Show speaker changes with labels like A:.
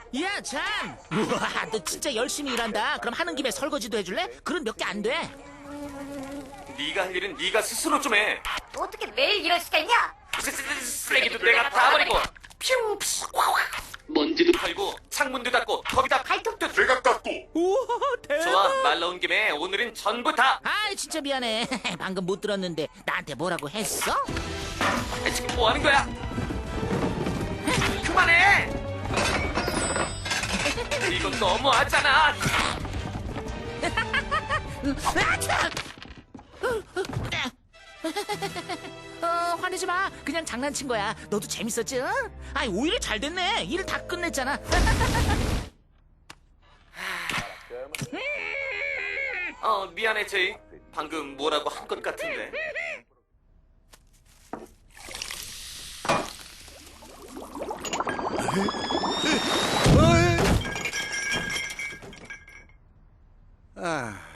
A: 야, 참! 우와, 너 진짜 열심히 일한다. 그럼 하는 김에 설거지도 해줄래? 그런 몇 개 안 돼.
B: 네가 할 일은 네가 스스로 좀 해.
C: 어떻게 매일 이럴 수가 있냐?
B: 쓰레기도 내가 다 버리고 퓨 먼지도 털고 창문도 닫고 거기다
C: 발톱도
B: 내가 닦고.
A: 우와, 대박!
B: 좋아, 말 나온 김에 오늘은 전부 다.
A: 아이, 진짜 미안해. 방금 못 들었는데 나한테 뭐라고 했어?
B: 지금 뭐 하는 거야? 그만해. 이건 너무하잖아.
A: 화내지 마. 그냥 장난친 거야. 너도 재밌었지? 응? 아이, 오히려 잘 됐네. 일 다 끝냈잖아.
B: 미안해 제이. 방금 뭐라고 한 것 같은데.
D: 아,